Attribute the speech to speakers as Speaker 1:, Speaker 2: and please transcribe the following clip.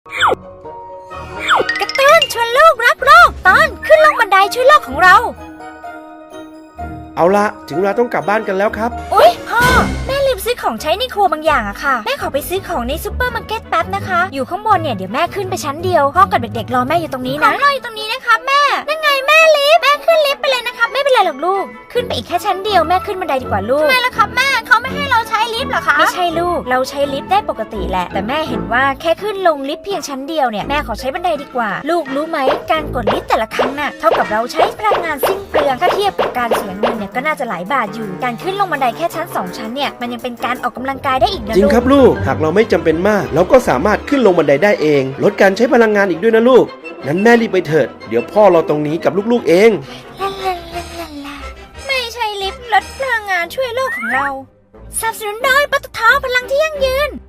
Speaker 1: กระตุ้นชวนลูกรักโลกตอนขึ้นลงบันไดช่วยโลกของเรา
Speaker 2: เอาละถึงเวลาต้องกลับบ้านกันแล้วครับ
Speaker 1: อุ๊ยพ่อแม่ลืมซื้อของใช้ในครัวบางอย่างอะค่ะแม่ขอไปซื้อของในซูเปอร์มาร์เก็ตแป๊บนะคะอยู่ข้างบนเนี่ยเดี๋ยวแม่ขึ้นไปชั้นเดียวพ่อกับเด็กๆรอแม่อยู่ตรงนี้นะรออยู่ตรงนี้นะคะแม่นั่นไงแม่ลิฟต์แม่ขึ้นลิฟต์ไปเลยนะคะไม่เป็นไรหรอกลูกขึ้นไปอีกแค่ชั้นเดียวแม่ขึ้นบันไดดีกว่าลูกทำไมล่ะครับแม่เขาไม่ให้เราใช้ลิฟต์หรอคะไม่ใช่ลูกเราใช้ลิฟต์ได้ปกติแหละแต่แม่เห็นว่าแค่ขึ้นลงลิฟต์เพียงชั้นเดียวเนี่ยแม่ขอใช้บันไดดีกว่าลูกรู้ไหมการกดลิฟต์แต่ละครั้งน่ะเท่ากับเราใช้พลังงานสิ้นเปลืองถ้าเทียบกับการเสียเงินเนี่ยก็น่าจะหลายบาทอยู่การขึ้นลงบันไดแค่ชั้น2ชั้นเนี่ยมันยังเป็นการออกกำลังกายได้อีกนะ
Speaker 2: จริงครับลูกหากเราไม่จำเป็นมากเราก็สามารถขึ้นลงบันไดได้เองลดการใช้พลังงานอีกด้วยนะลูกนั้นแม่รีบไปเถิดเดี๋ยวพ่อเราตรงนี้กับลูกๆเอง
Speaker 1: ไม่ใช่ลิฟต์ลดพลังงานช่วยโลกของเราสนับสนุนโดยปตท.พลังที่ยั่งยืน